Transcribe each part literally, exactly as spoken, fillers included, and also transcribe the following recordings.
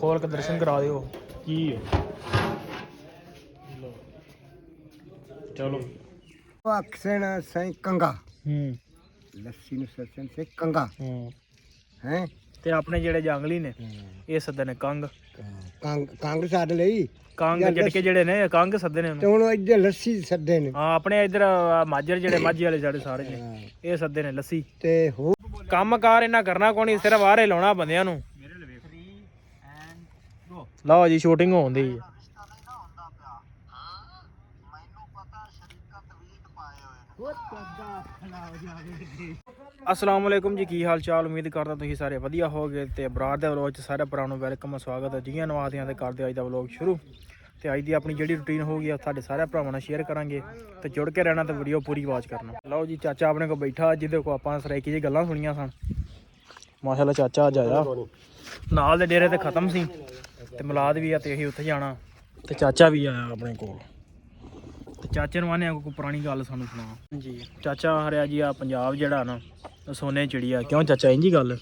खोल के दर्शन करा दियो की चलो अक्सर सही कंगा हम्म लस्सी नु ससन से कंगा हम्म हैं ते अपने जेड़े जंगली ने ये सदे ने कंग ਕੰਗ ਕੰਗ ਛੱਡ ਲਈ ਕੰਗ ਜਟਕੇ ਜਿਹੜੇ ਨੇ ਕੰਗ ਸੱਦੇ ਨੇ ਤੇ ਹੁਣ ਇੱਧਰ ਲੱਸੀ ਸੱਦੇ ਨੇ ਹਾਂ ਆਪਣੇ ਇੱਧਰ ਮਾਝਰ ਜਿਹੜੇ ਮਾਝੀ ਵਾਲੇ ਸਾਡੇ ਸਾਰੇ ਨੇ ਇਹ ਸੱਦੇ ਨੇ ਲੱਸੀ ਤੇ ਹੋ ਕੰਮ ਕਾਰ ਇਹਨਾਂ ਕਰਨਾ ਕੋਈ ਨਹੀਂ ਸਿਰਫ ਆਰੇ ਲਾਉਣਾ ਬੰਦਿਆਂ ਨੂੰ ਲਓ ਜੀ ਸ਼ੂਟਿੰਗ ਹੋਣ ਦੀ अस्सलाम वालेकुम जी की हाल चाल उम्मीद करता तुसीं सारे वधिया होगे ते बरार दे व्लॉग च सारे भरावां नूं वेलकम स्वागत है जियां नवादियां ते करदे अज दा व्लॉग शुरू ते अज दी अपनी जेहड़ी रूटीन होगी साडे सारे भरावां नाल शेयर करांगे ते जुड़ के रहना ते वीडियो पूरी वॉच करना। लो जी चाचा अपने को बैठा जिहदे को आपां सराइकी जी गल्लां सुनियां सन माशाअल्लाह चाचा अज आया नाल दे डेरे ते खत्म सी ते मिलाद भी आ ते असीं उत्थे जाना ते चाचा भी आया अपने कोल चाचे ਨੂੰ ਆਨੇ ਕੋਈ ਪੁਰਾਣੀ ਗੱਲ ਸਾਨੂੰ ਸੁਣਾ ਜੀ। ਚਾਚਾ ਹਰਿਆ ਜੀ ਆ ਪੰਜਾਬ ਜਿਹੜਾ ਨਾ ਸੋਨੇ ਚਿੜੀਆ ਕਿਉਂ ਚਾਚਾ ਇੰਜੀ ਗੱਲ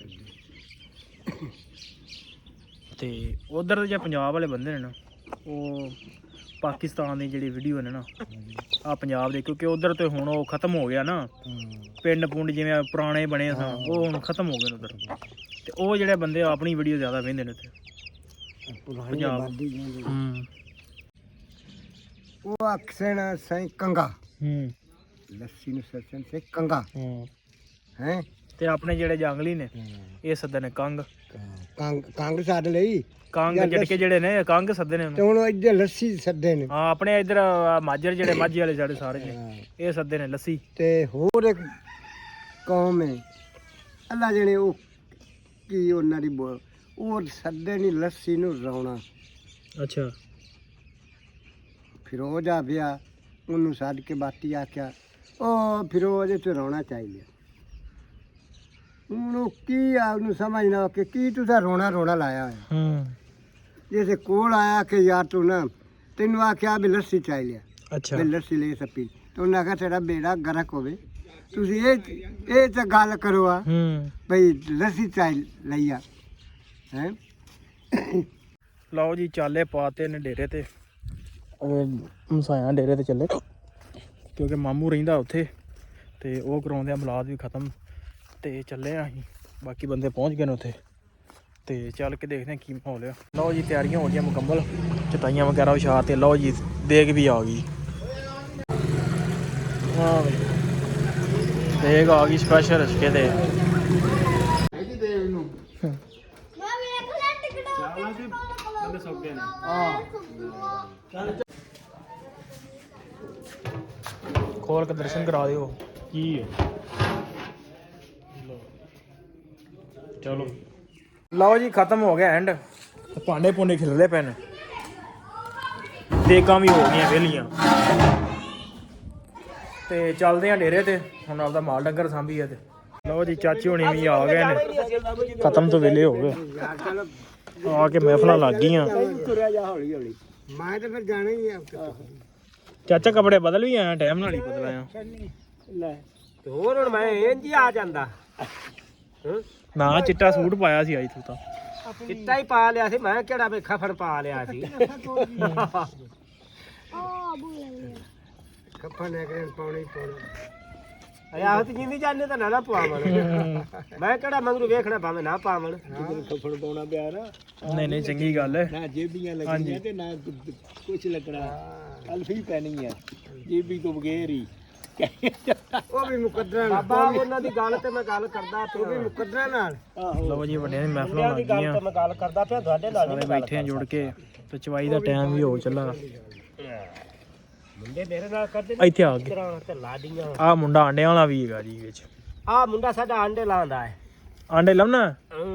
ਤੇ ਉਧਰ ਦੇ ਜੇ ਪੰਜਾਬ ਵਾਲੇ ਬੰਦੇ ਨੇ ਨਾ ਉਹ ਪਾਕਿਸਤਾਨ ਦੀ ਜਿਹੜੀ ਵੀਡੀਓ ਨੇ ਨਾ ਆ ਪੰਜਾਬ ਦੇ ਕਿਉਂਕਿ ਉਧਰ ਤੇ ਹੁਣ ਉਹ ਖਤਮ ਹੋ ਗਿਆ ਨਾ ਪਿੰਡ ਪੁੰਡ ਜਿਵੇਂ ਪੁਰਾਣੇ ਬਣੇ ਸਨ ਉਹ ਹੁਣ ਖਤਮ ਹੋ ਗਏ ਨੇ ਉਧਰ ਤੇ ਉਹ ਜਿਹੜੇ ਬੰਦੇ ਆਪਣੀ ਵੀਡੀਓ ਜ਼ਿਆਦਾ ਵੇਖਦੇ ਨੇ ਉੱਥੇ ਪੰਜਾਬ ਹੂੰ ਉਹ ਅਕਸਰ ਸਹੀ ਕੰਗਾ ਹੂੰ ਲੱਸੀ ਨੂੰ ਸਸਨ ਸੇ ਕੰਗਾ ਹੂੰ हैं ਤੇ ਆਪਣੇ ਜਿਹੜੇ ਜੰਗਲੀ ਨੇ ਇਹ ਸੱਦੇ ਨੇ ਕੰਗ ਕੰਗ ਕੰਗ ਛੱਡ ਲਈ ਕੰਗ ਜਟਕੇ ਜਿਹੜੇ ਨੇ ਕੰਗ ਸੱਦੇ ਨੇ ਤੇ ਹੁਣ ਇੱਧਰ ਲੱਸੀ ਸੱਦੇ ਨੇ ਹਾਂ ਆਪਣੇ ਇੱਧਰ ਮਾਝਰ ਜਿਹੜੇ ਮਾਝੀ ਵਾਲੇ ਸਾਡੇ ਸਾਰੇ ਨੇ ਇਹ ਸੱਦੇ ਨੇ ਲੱਸੀ ਤੇ ਹੋਰ ਇੱਕ ਕੌਮ ਹੈ ਅੱਲਾ ਜਣੇ ਉਹ ਕੀ ਉਹਨਾਂ ਦੀ ਬੋ- ਉਹ ਸੱਦੇ ਨਹੀਂ ਲੱਸੀ ਨੂੰ ਰੌਣਾ ਅੱਛਾ ਫਿਰੋਜ਼ ਆ ਪਿਆ ਉਹਨੂੰ ਸੱਦ ਕੇ ਬਾਤੀ ਆਖਿਆ ਉਹ ਫਿਰੋਜ਼ ਤੇ ਰੋਣਾ ਚਾਹੀਦਾ ਉਹਨੂੰ ਕੀ ਆ ਉਹਨੂੰ ਸਮਝਣਾ ਕਿ ਕੀ ਤੁਸੀਂ ਰੋਣਾ ਰੋਣਾ ਲਾਇਆ ਹੋਇਆ ਹੂੰ ਜੈਸੇ ਕੋਲ ਆਇਆ ਕਿ ਯਾਰ ਤੂੰ ਨਾ ਤੈਨੂੰ ਆਖਿਆ ਵੀ ਲੱਸੀ ਚਾਹੀਦੀ ਅੱਛਾ ਵੀ ਲੱਸੀ ਲੈ ਸਕੀ ਤੇ ਉਹਨੇ ਆਖਿਆ ਤੇਰਾ ਬੇੜਾ ਗਰਕ ਹੋਵੇ ਤੁਸੀਂ ਇਹ ਇਹ ਤਾਂ ਗੱਲ ਕਰੋ ਆ ਹੂੰ ਭਈ ਲੱਸੀ ਚਾਹੀ ਲਈਆ ਹੈ ਲਓ ਜੀ ਚਾਲੇ ਪਾਤੇ ਨੇ ਡੇਰੇ ਤੇ ਮਸਾਇਆ ਡੇਰੇ ਤੇ ਚੱਲੇ ਕਿਉਂਕਿ ਮਾਮੂ ਰਹਿੰਦਾ ਉੱਥੇ ਤੇ ਉਹ ਕਰਾਉਂਦੇ ਆ ਮਿਲਾਦ ਵੀ ਖਤਮ ਤੇ ਚੱਲੇ ਆ ਅਸੀਂ ਬਾਕੀ ਬੰਦੇ ਪਹੁੰਚ ਗਏ ਨੇ ਉੱਥੇ ਤੇ ਚੱਲ ਕੇ ਦੇਖਦੇ ਆ ਕੀ ਮਾਹੌਲ ਆ। ਲਓ ਜੀ ਤਿਆਰੀਆਂ ਹੋ ਗਈਆਂ ਮੁਕੰਮਲ ਚਟਾਈਆਂ ਵਗੈਰਾ ਵਿਛਾ ਤੇ ਲਓ ਜੀ ਦੇਗ ਵੀ ਆ ਗਈ ਹਾਂ ਬਈ ਦੇਗ ਆ ਗਈ ਸਪੈਸ਼ਲ ਰਸਕੇ ਤੇ खोल के दर्शन करा दियो की चलो लो जी खत्म हो गया एंड भांडे भुंडे खिलरे पे ने देगां भी हो गई वेलियां ते चलते हैं डेरे ते हुण आपदा माल डंगर सांभीए ते लो जी चाची होनी भी आ गए ने खत्म तो वेले हो गए आके महफिल लग गई ਮੈਂ ਤਾਂ ਫਿਰ ਜਾਣਾ ਹੀ ਆ ਚਾਚਾ ਕੱਪੜੇ ਬਦਲ ਵੀ ਆਇਆ ਟਾਈਮ ਨਾਲ ਹੀ ਬਦਲਾਇਆ ਲੈ ਤੇ ਹੋਰ ਹੁਣ ਮੈਂ ਇੰਜ ਹੀ ਆ ਜਾਂਦਾ ਨਾ ਚਿੱਟਾ ਸੂਟ ਪਾਇਆ ਸੀ ਅੱਜ ਤੂੰ ਤਾਂ ਚਿੱਟਾ ਹੀ ਪਾ ਲਿਆ ਸੀ ਮੈਂ ਕਿਹੜਾ ਵੇ ਖਫੜ ਪਾ ਲਿਆ ਸੀ ਖਫੜ ਨੇ ਕਿਹਨ ਪਾਉਣੀ ਪਾਉਣੀ ਆਹ ਤੇ ਜਿੰਦੀ ਜਾਣੇ ਤਾਂ ਨਾ ਨਾ ਪਵਾਵਣ ਮੈਂ ਕਿਹੜਾ ਮੰਗਰੂ ਵੇਖਣਾ ਭਾਵੇਂ ਨਾ ਪਾਵਣ ਖਫੜ ਪਾਉਣਾ ਪਿਆ ਨਾ ਨਹੀਂ ਨਹੀਂ ਚੰਗੀ ਗੱਲ ਹੈ ਨਾ ਜੇਬੀਆਂ ਲੱਗੀਆਂ ਤੇ ਨਾ ਕੁਝ ਲੱਗਣਾ ਅਲਫੀ ਪੈਣੀ ਆ ਜੇਬੀ ਤੋਂ ਬਗੈਰ ਹੀ ਉਹ ਵੀ ਮੁਕੱਦਰਾਂ ਬਾਬਾ ਉਹਨਾਂ ਦੀ ਗੱਲ ਤੇ ਮੈਂ ਗੱਲ ਕਰਦਾ ਪਿਆ ਉਹ ਵੀ ਮੁਕੱਦਰਾਂ ਨਾਲ ਲਓ ਜੀ ਵੱਡਿਆਂ ਦੀ ਮਹਿਫਲਾਂ ਲੱਗ ਗਈਆਂ ਮੈਂ ਗੱਲ ਕਰਦਾ ਪਿਆ ਤੁਹਾਡੇ ਨਾਲ ਸਾਰੇ ਬੈਠੇ ਆ ਜੁੜ ਕੇ ਤੇ ਚਵਾਈ ਦਾ ਟਾਈਮ ਵੀ ਹੋ ਚੱਲਾ ਮੁੰਡੇ ਮੇਰੇ ਨਾਲ ਕਰਦੇ ਇੱਥੇ ਆ ਗਏ ਤੇ ਲਾਡੀਆਂ ਆਹ ਮੁੰਡਾ ਆਂਡਿਆਂ ਵਾਲਾ ਵੀ ਹੈਗਾ ਜੀ ਵਿੱਚ ਆਹ ਮੁੰਡਾ ਸਾਡਾ ਆਂਡੇ ਲਾਉਂਦਾ ਹੈ ਆਂਡੇ ਲਾਉਣਾ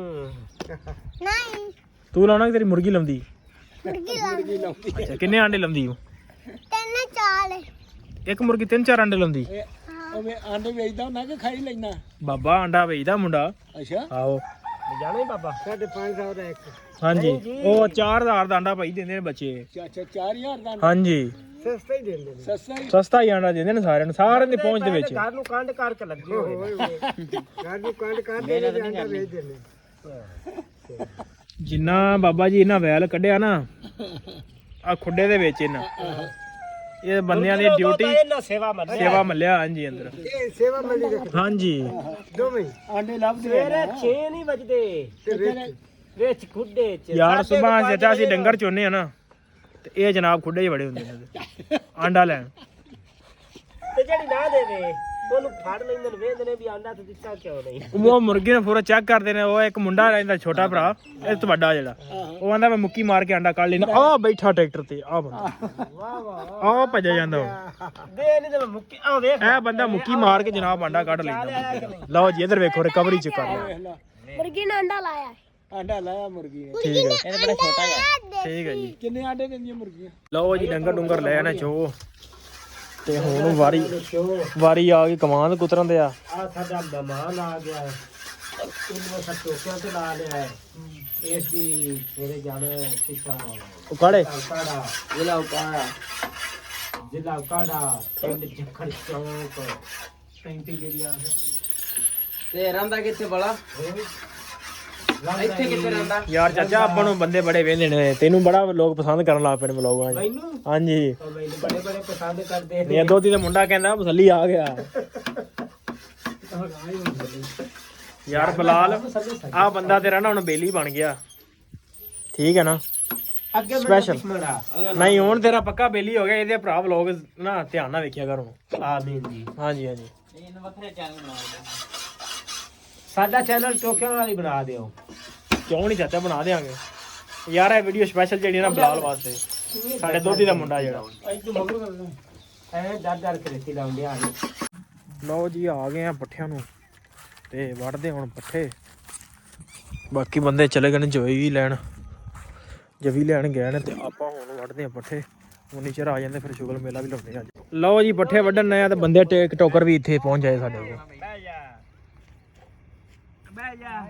ਨਹੀਂ ਤੂੰ ਲਾਉਣਾ ਕਿ ਤੇਰੀ ਮੁਰਗੀ ਲਾਉਂਦੀ ਮੁਰਗੀ ਲਾਉਂਦੀ ਅੱਛਾ ਕਿੰਨੇ ਆਂਡੇ ਲਾਉਂਦੀ ਉਹ ਤਿੰਨ ਚਾਰ ਇੱਕ ਮੁਰਗੀ ਤਿੰਨ ਚਾਰ ਆਂਡੇ ਲਾਉਂਦੀ ਉਹ ਆਂਡੇ ਵੇਚਦਾ ਹੁੰਦਾ ਕਿ ਖਾਈ ਲੈਣਾ ਬਾਬਾ ਆਂਡਾ ਵੇਚਦਾ ਮੁੰਡਾ ਅੱਛਾ ਆਓ ਜਾਣਾ ਹੀ ਬਾਬਾ ਸਾਢੇ ਪੰਜ ਸੌ ਦਾ ਇੱਕ ਹਾਂਜੀ ਉਹ ਚਾਰ ਹਜ਼ਾਰ ਦਾ ਆਂਡਾ ਭਾਈ ਦਿੰਦੇ ਨੇ ਬੱਚੇ ਅੱਛਾ ਚਾਰ ਹਜ਼ਾਰ ਦਾ ਹਾਂਜੀ ਸਸਤਾ ਹੀ ਦਿੰਦੇ ਨੇ ਸਸਤਾ ਹੀ ਸਸਤਾ ਹੀ ਆਂਡਾ ਦਿੰਦੇ ਨੇ ਸਾਰਿਆਂ ਨੂੰ ਸਾਰਿਆਂ ਦੀ ਪਹੁੰਚ ਦੇ ਵਿੱਚ ਘਰ ਨੂੰ ਕੰਡ ਕਰਕੇ ਲੱਗੇ ਹੋਏ ਘਰ ਨੂੰ ਕੰਡ ਕਰਦੇ ਨੇ ਆਂਡਾ ਵੇਚਦੇ ਨੇ ਜਿੰਨਾ ਬਾਬਾ ਜੀ ਇਹਨਾਂ ਵੈਲ ਕੱਢਿਆ ਨਾ ਆ ਖੁੱਡੇ ਦੇ ਵਿੱਚ ਇਹਨਾਂ ਇਹ ਬੰਦਿਆਂ ਦੀ ਡਿਊਟੀ ਇਹਨਾਂ ਸੇਵਾ ਮੰਨ ਸੇਵਾ ਮੱਲਿਆ ਹਾਂਜੀ ਅੰਦਰ ਇਹ ਸੇਵਾ ਮੰਨੀ ਦੇ ਹਾਂਜੀ ਦੋਵੇਂ ਆਂਡੇ ਲੱਭਦੇ ਸਵੇਰੇ ਛੇ ਨਹੀਂ ਵੱਜਦੇ ਤੇ ਵਿੱਚ ਵਿੱਚ ਖੁੱਡੇ ਚ ਯਾਰ ਸੁਬਾਹ ਚਾਚਾ ਅਸੀਂ ਡੰਗਰ ਚੋਨੇ ਆ ਨਾ ਤੇ ਇਹ ਜਨਾਬ ਖੁੱਡੇ ਹੀ ਬੜੇ ਹੁੰਦੇ ਨੇ ਆਂਡਾ ਲੈਣ ਤੇ ਜਿਹੜੀ ਨਾ ਦੇਵੇ ਉਹਨੂੰ ਫੜ ਲੈਂਦੇ ਨੇ ਵੇਖਦੇ ਨੇ ਵੀ ਆਂਡਾ ਤੇ ਦਿੱਤਾ ਕਿਉਂ ਨਹੀਂ ਉਹ ਮੁਰਗੇ ਨੂੰ ਪੂਰਾ ਚੈੱਕ ਕਰਦੇ ਨੇ ਉਹ ਇੱਕ ਮੁੰਡਾ ਰਹਿੰਦਾ ਛੋਟਾ ਭਰਾ ਇਹ ਤੋਂ ਵੱਡਾ ਜਿਹੜਾ ਉਹ ਆਂਦਾ ਮੈਂ ਮੁੱਕੀ ਮਾਰ ਕੇ ਆਂਡਾ ਕੱਢ ਲੈਣਾ ਆ ਬੈਠਾ ਟਰੈਕਟਰ ਤੇ ਆ ਬੰਦਾ ਵਾਹ ਵਾਹ ਆ ਭੱਜਿਆ ਜਾਂਦਾ ਉਹ ਦੇ ਨਹੀਂ ਤੇ ਮੈਂ ਮੁੱਕੀ ਆ ਵੇਖ ਇਹ ਬੰਦਾ ਮੁੱਕੀ ਮਾਰ ਕੇ ਜਨਾਬ ਆਂਡਾ ਕੱਢ ਲੈਂਦਾ ਲਓ ਜੀ ਇਧਰ ਵੇਖੋ ਰਿਕਵਰੀ ਚ ਕਰ ਲਿਆ ਮੁਰਗੀ ਨੇ ਅੰਡਾ ਲਾਇਆ ਆਂਡਾ ਲਾਇਆ ਮੁਰਗੀ ਨੇ ਠੀਕ ਹੈ ਇਹ ਬੜਾ ਛੋਟਾ ਹੈ ਠੀਕ ਹੈ ਜੀ ਕਿੰਨੇ ਆਂਡੇ ਦਿੰਦੀਆਂ ਮੁਰਗੀਆਂ ਲਓ ਜੀ ਡੰਗਰ ਡੁੰਗਰ ਲੈ ਆਣਾ ਚੋ ਤੇ ਹੁਣ ਵਾਰੀ ਵਾਰੀ ਆ ਗਈ ਕਮਾਂਦ ਕੁਤਰਨ ਦੇ ਆ ਆ ਸਾਡਾ ਮਹਿਮਾਨ ਆ ਗਿਆ ਹੈ ਇਹਨੂੰ ਸਭ ਟੋਕਿਆਂ ਤੇ ਲਾ ਲਿਆ ਹੈ ਇਸ ਦੀ ਮੇਰੇ ਜਾਣੇ ਸਿੱਖਾ ਉਕਾੜੇ ਉਕਾੜਾ ਜ਼ਿਲ੍ਹਾ ਉਕਾੜਾ ਜ਼ਿਲ੍ਹਾ ਉਕਾੜਾ ਪਿੰਡ ਜਖੜ ਚੌਂਕ ਪੈਂਤੀ ਜਿਹੜੀਆਂ ਤੇ ਰਹਿੰਦਾ ਕਿੱਥੇ ਬੜਾ ਇੱਥੇ ਕਿੱਥੇ ਰਹਿੰਦਾ ਯਾਰ ਚਾਚਾ ਆਪਾਂ ਨੂੰ ਬੰਦੇ ਬੜੇ ਵੇਂਦੇ ਨੇ ਤੈਨੂੰ ਬੜਾ ਲੋਕ ਪਸੰਦ ਕਰਨ ਲੱਗ ਪਏ ਨੇ ਵਲੋਗਾਂ 'ਚ ਮੈਨੂੰ ਹਾਂਜੀ ਉਹ ਮੈਨੂੰ ਬੜੇ ਬੜੇ ਪਸੰਦ ਕਰਦੇ ਇਹ ਦੋਤੀ ਦਾ ਮੁੰਡਾ ਕਹਿੰਦਾ ਮਸੱਲੀ ਆ ਗਿਆ ਯਾਰ ਬਲਾਲ ਆ ਬੰਦਾ ਤੇਰਾ ਨਾ ਹੁਣ ਬੇਲੀ ਬਣ ਗਿਆ ਠੀਕ ਹੈ ਨਾ ਅੱਗੇ Special. ਮੜਾ ਨਹੀਂ ਹੁਣ ਤੇਰਾ ਪੱਕਾ ਬੇਲੀ ਹੋ ਗਿਆ ਇਹਦੇ ਭਰਾ ਵਲੋਗ ਨਾ ਧਿਆਨ ਨਾਲ ਵੇਖਿਆ ਕਰ ਹੁਣ ਆਮੀਨ ਜੀ ਹਾਂਜੀ ਹਾਂਜੀ ਇਹਨੂੰ ਵੱਖਰੇ ਚੈਨਲ ਬਣਾ ਸਾਡਾ ਚੈਨਲ ਟੋਕਿਆਂ ਵਾਲੀ ਬਣਾ ਦਿਓ ਕਿਉਂ ਨਹੀਂ ਚਾਚਾ ਬਣਾ ਦੇਾਂਗੇ ਯਾਰ ਇਹ ਵੀਡੀਓ ਸਪੈਸ਼ਲ ਜਿਹੜੀ ਨਾ ਬਲਾਲ ਵਾਸਤੇ ਸਾਡੇ ਦੋਤੀ ਦਾ ਮੁੰਡਾ ਜਿਹੜਾ ਇੱਥੇ ਮਗਰ ਕਰਦਾ ਐ ਦਰ ਦਰ ਕੇ ਰੇਤੀ ਲਾਉਂਦੇ ਆ ਲਓ ਜੀ ਆ ਗਏ ਆ ਪੱਠਿਆਂ ਨੂੰ ਤੇ ਵੜਦੇ ਹੁਣ ਪੱਠੇ ਬਾਕੀ ਬੰਦੇ ਚਲੇ ਗਏ ਨੇ ਜੋਈ ਵੀ ਲੈਣ ਜਵੀ ਲੈਣ ਗਏ ਨੇ ਤੇ ਆਪਾਂ ਹੁਣ ਵੜਦੇ ਆ ਪੱਠੇ ਉਨੀ ਚਿਰ ਆ ਜਾਂਦੇ ਫਿਰ ਸ਼ੁਗਲ ਮੇਲਾ ਵੀ ਲਾਉਂਦੇ ਆ ਅੱਜ ਲਓ ਜੀ ਪੱਠੇ ਵੱਢਣ ਆਏ ਆ ਤੇ ਬੰਦੇ ਟੇਕ ਟੋਕਰ ਵੀ ਇੱਥੇ ਪਹੁੰਚ ਜਾਏ ਸਾਡੇ ਕੋਲ ਬਹਿ ਜਾ ਬਹਿ ਜਾ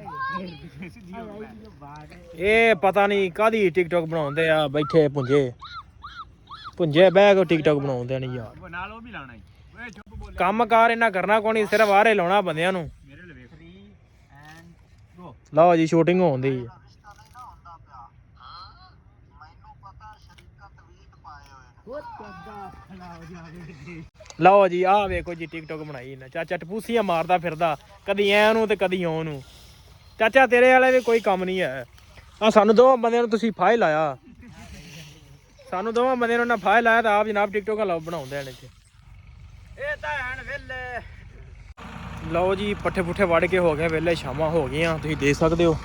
ਇਹ ਪਤਾ ਨਹੀਂ ਕਾਦੀ ਟਿਕਟੌਕ ਬਣਾਉਂਦੇ ਆ ਬੈਠੇ ਪੁੰਜੇ ਪੁੰਜੇ ਬਹਿ ਕੇ ਟਿਕਟੌਕ ਬਣਾਉਂਦੇ ਨਹੀਂ ਯਾਰ ਨਾਲ ਉਹ ਵੀ ਲਾਣਾ ਕੰਮ ਕਾਰ ਇਹਨਾਂ ਕਰਨਾ ਕੋਈ ਨਹੀਂ ਸਿਰਫ ਆਰੇ ਲਾਉਣਾ ਬੰਦਿਆਂ ਨੂੰ ਲਓ ਜੀ ਸ਼ੂਟਿੰਗ ਹੋਉਂਦੀ ਹੈ ਲਓ ਜੀ ਆਹ ਵੇਖੋ ਜੀ ਟਿਕਟੌਕ ਬਣਾਈ ਇਹਨਾਂ ਚਾਚਾ ਟਪੂਸੀਆਂ ਮਾਰਦਾ ਫਿਰਦਾ ਕਦੀ ਐ ਨੂੰ ਤੇ ਕਦੀ ਓ ਨੂੰ ਚਾਚਾ ਤੇਰੇ ਵਾਲੇ ਵੀ ਕੋਈ ਕੰਮ ਨਹੀਂ ਹੈ ਆ ਸਾਨੂੰ ਦੋਵਾਂ ਬੰਦਿਆਂ ਨੂੰ ਤੁਸੀਂ ਫਾਇਲ ਲਾਇਆ ਸਾਨੂੰ ਦੋਵਾਂ ਬੰਦਿਆਂ ਨੂੰ ਨਾ ਫਾਇਲ ਲਾਇਆ ਤਾਂ ਆਪ ਜਨਾਬ ਟਿਕਟੌਕ ਲਾਓ ਬਣਾਉਂਦੇ ਨੇ ਇੱਥੇ ਇਹ ਤਾਂ ਹਣ ਵੇਲੇ ਲਓ ਜੀ ਪੱਠੇ ਪੁੱਠੇ ਵੜ ਕੇ ਹੋ ਗਏ ਵੇਲੇ ਸ਼ਾਮਾਂ ਹੋ ਗਈਆਂ ਤੁਸੀਂ ਦੇਖ ਸਕਦੇ ਹੋ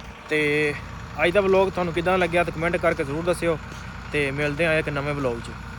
ਤੇ ਅੱਜ ਦਾ ਵਲੌਗ ਤੁਹਾਨੂੰ ਕਿਦਾਂ ਲੱਗਿਆ ਤਾਂ ਕਮੈਂਟ ਕਰਕੇ ਜ਼ਰੂਰ ਦੱਸਿਓ ਤੇ ਮਿਲਦੇ ਆ ਇੱਕ ਨਵੇਂ ਵਲੌਗ 'ਚ।